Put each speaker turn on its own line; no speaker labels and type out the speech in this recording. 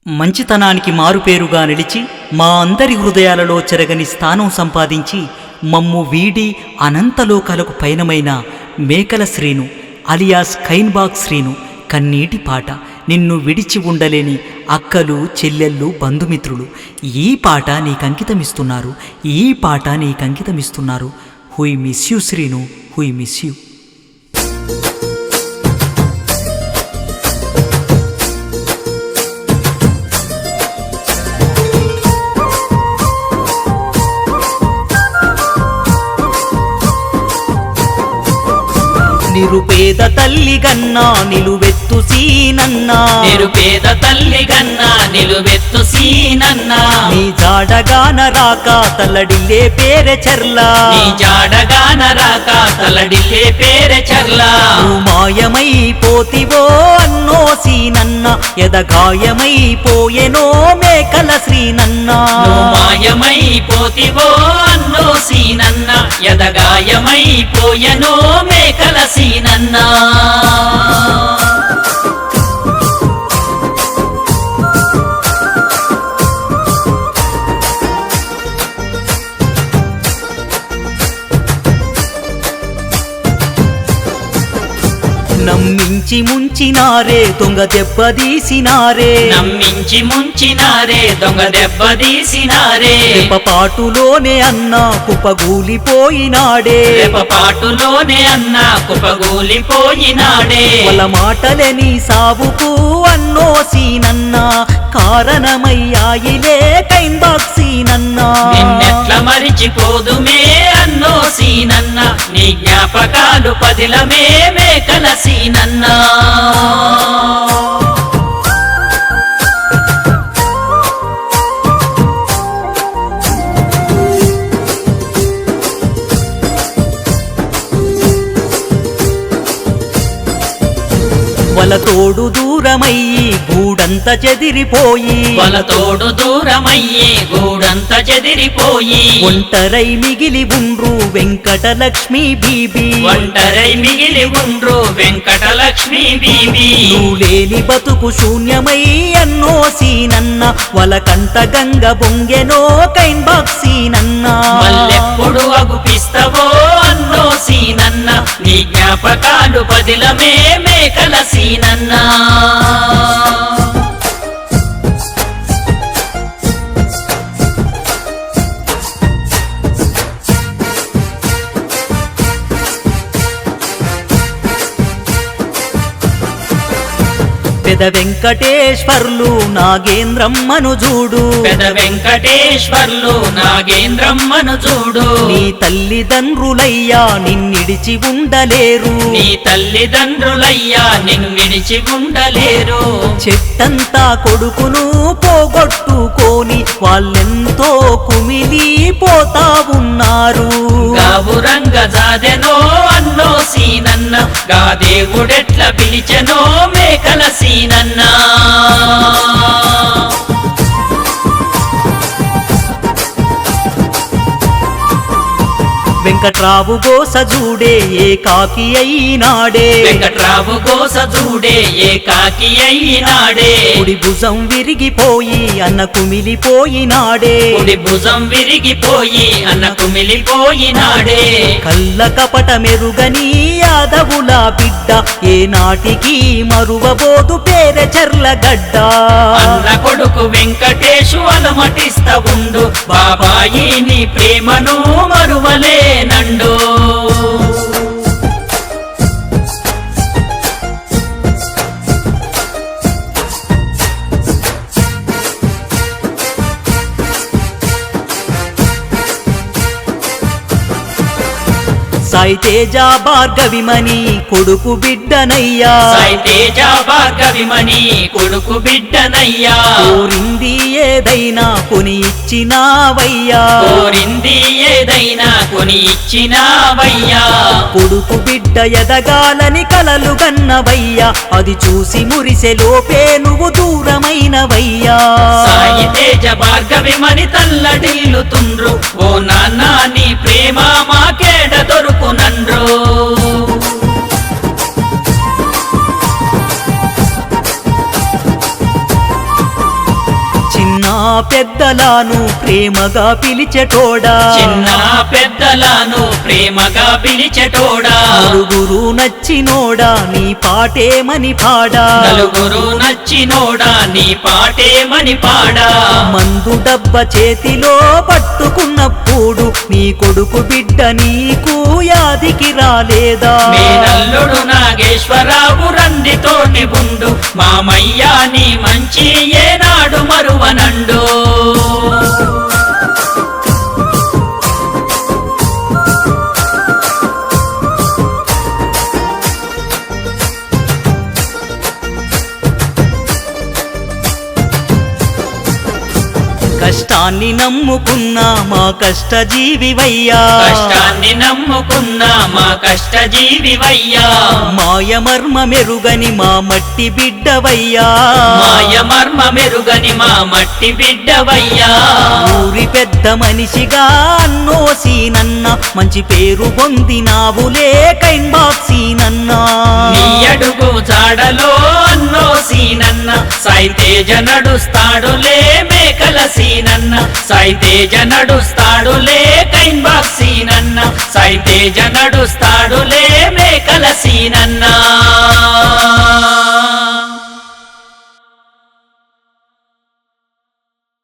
మంచితనానికి మారుపేరుగా నిలిచి మా అందరి హృదయాలలో చెరగని స్థానం సంపాదించి మమ్ము వీడి అనంతలోకాలకు పయనమైన మేకల శ్రీను అలియాస్ కైన్బాగ్ శ్రీను కన్నీటి పాట నిన్ను విడిచి ఉండలేని అక్కలు చెల్లెళ్ళు బంధుమిత్రులు ఈ పాట నీకంకితమిస్తున్నారు. హుయ్ మిస్ యూ శ్రీను, హుయ్ మిస్ యూ. నిరుపేద తల్లి గన్నా నిలువెత్తు సీనన్నా,
నిరుపేద తల్లి గన్నా నిలువెత్తు సీనన్నా,
నీ జాడగాన రాక తల్లడిల్లే పేరె చర్లా,
నీ జాడగాన రాక తల్లడిల్లే పేరె చర్లా.
మాయమైపోతివో అన్నో సీనన్న ఎదగాయమైపోయెనో మేకల శ్రీనన్నా,
మాయమైపోతివో అన్నో సీనన్న ఎదగాయమైపోయెనో మేకల సీనన్నా.
నమ్మించి ముంచినారే దొంగ దెబ్బదీసినారే,
నమ్మించి ముంచినారే దొంగ దెబ్బదీసినారే,
పాటులోనే అన్న కుప్పగూలిపోయినాడే,
పాటులోనే అన్న కుప్పగూలిపోయినాడే.
వాళ్ళ మాటలే నీ సావుకు అన్నో సీనన్న కారణమయ్యాయిలే కైన్బాగ్ సీనన్నా,
నిన్నెట్ల మరిచిపోదుమే అన్నో సీనన్న, నీ జ్ఞాపకాలు పదిలమే మేకల సీనన్నా.
వలతోడు దూరమయ్యి గూడంత చెదిరిపోయి,
వలతోడు దూరమయ్యి గూడంత చెదిరిపోయి,
ఒంటరై మిగిలి ఉండ్రు వెంకటలక్ష్మి బీబీ,
ఒంటరై మిగిలి ఉండ్రు వెంకటలక్ష్మి బీబీ.
నువ్వు లేని బతుకు శూన్యమై అన్నో సీనన్న వలకంట గంగ బొంగెనో కైన్బాగ్ సీనన్నా,
మల్లెప్పుడు అగుపిస్తవో అన్నో సీనన్న, నీ జ్ఞాపకాలు పదిలమే మేకల సీనన్నా.
పెద వెంకటేశ్వర్లు నాగేంద్రమ్మను చూడు,
పెద వెంకటేశ్వర్లు నాగేంద్రమ్మను చూడు,
నీ తల్లిదండ్రులయ్యా నిన్నిడిచి ఉండలేరు,
నీ తల్లిదండ్రులయ్యా నిన్నిడిచి ఉండలేరు.
చెట్టంతా కొడుకును పోగొట్టుకోని వాళ్ళెంతో కుమిలిపోతా ఉన్నారు,
గావురంగ జాదెనో అన్నో సీనన్న, గా దేవుడెట్ల పిలిచెనో మేకల సీనన్నా.
వెంకట్రావు గోస చూడే ఏకాకి అయినాడే,
వెంకట్రావు గోస చూడే ఏకాకి అయినాడే,
కుడి భుజం విరిగిపోయి అన్న కుమిలిపోయినాడే,
కుడి భుజం విరిగిపోయి అన్న కుమిలిపోయినాడే.
కళ్ళ కపట మెరుగని యాదవుల బిడ్డ ఏనాటికి మరువబోదు పేరె చర్లగడ్డ,
అన్న కొడుకు వెంకటేశు అలమటిస్త ఉండు, బాబాయి నీ ప్రేమను మరువలే నండు.
సాయి తేజ భార్గవిమణి కొడుకు బిడ్డనయ్యా,
సాయి తేజ భార్గవిమణి కొడుకు బిడ్డనయ్యా,
కోరింది ఏదైనా కొని ఇచ్చినావయ్యా,
కోరింది ఏదైనా కొని ఇచ్చినావయ్యా.
కొడుకు బిడ్డ ఎదగాలని కలలు గన్నవయ్యా, అది చూసి మురిసె లోపే నువ్వు దూరమైనవయ్యా.
సాయి తేజ భార్గవిమణి తల్లడిల్లుతుండ్రు, ఓ నాన్న నీ ప్రేమ మాకేడ దొరుకునండ్రు.
పెద్దలను ప్రేమగా పిలిచెటోడా
చిన్న పెద్దలను ప్రేమగా పిలిచెటోడా
నలుగురు నచ్చినోడా నీ పాటేమని పాడా
నలుగురు నచ్చినోడా నీ పాటేమని పాడా
మందు డబ్బ చేతిలో పట్టుకున్నప్పుడు నీ కొడుకు బిడ్డ నీకు యాదికి రాలేదా
మేనల్లుడు నాగేశ్వరరావు రందితోటి ఉండు మామయ్య నీ మంచి ఏనాడు మరువనండు
కష్టాన్ని నమ్ముకున్నా మా కష్టజీవివయ్యా
కష్టాన్ని నమ్ముకున్నా మా కష్టజీవివయ్యా
మాయమర్మ మెరుగని మా మట్టి బిడ్డవయ్యా
మాయ మర్మ మెరుగని మా మట్టి బిడ్డవయ్యా
ఊరి పెద్ద మనిషిగా అన్నోసీనన్న మంచి పేరు పొందినావులే కైన్ బాక్సీనన్నా
నీ అడుగు జాడలో అన్నో సీనన్న సాయితేజ నడుస్తాడులే మేకల సీనన్న సాయితేజ నడుస్తాడులే కైన్ బాక్సీనన్న సాయితేజ నడుస్తాడులే మేకల సీనన్న